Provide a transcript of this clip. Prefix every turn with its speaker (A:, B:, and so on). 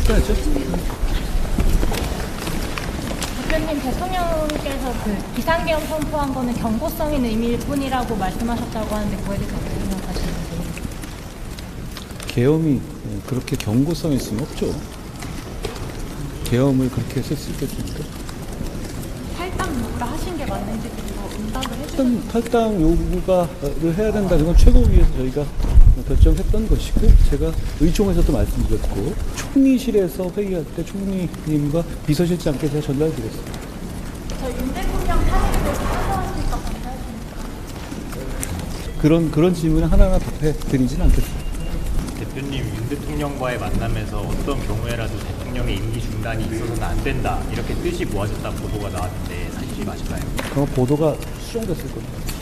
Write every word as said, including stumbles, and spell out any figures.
A: 답변했죠.
B: 대표님, 대통령께서 그 비상계엄 선포한 거는 경고성 있는 의미일 뿐이라고 말씀하셨다고 하는데 그거에 대해서 어떻게 생각하시는지.
A: 계엄이 그렇게 경고성 있으면 없죠. 계엄을 그렇게 했을 수 있겠습니까?
B: 탈당 요구를 하신 게 맞는지 그리고 응답을 해주셨는지.
A: 일단 탈당 요구가를 해야 된다는 건 최고위에서 저희가 결정했던 것이고, 제가 의총에서도 말씀드렸고, 총리실에서 회의할 때 총리님과 비서실장께서 전달드렸습니다.
B: 저 윤 대통령 탄핵에 대해서 찬성하십니까? 반대하십니까?
A: 그런 그런 질문을 하나하나 답해 드리진 않겠습니다.
C: 대표님, 윤 대통령과의 만남에서 어떤 경우에라도 대통령의 임기 중단이 있어서는 안 된다, 이렇게 뜻이 모아졌다는 보도가 나왔는데 사실이 맞을까요?
A: 그 보도가 수정됐을 겁니다.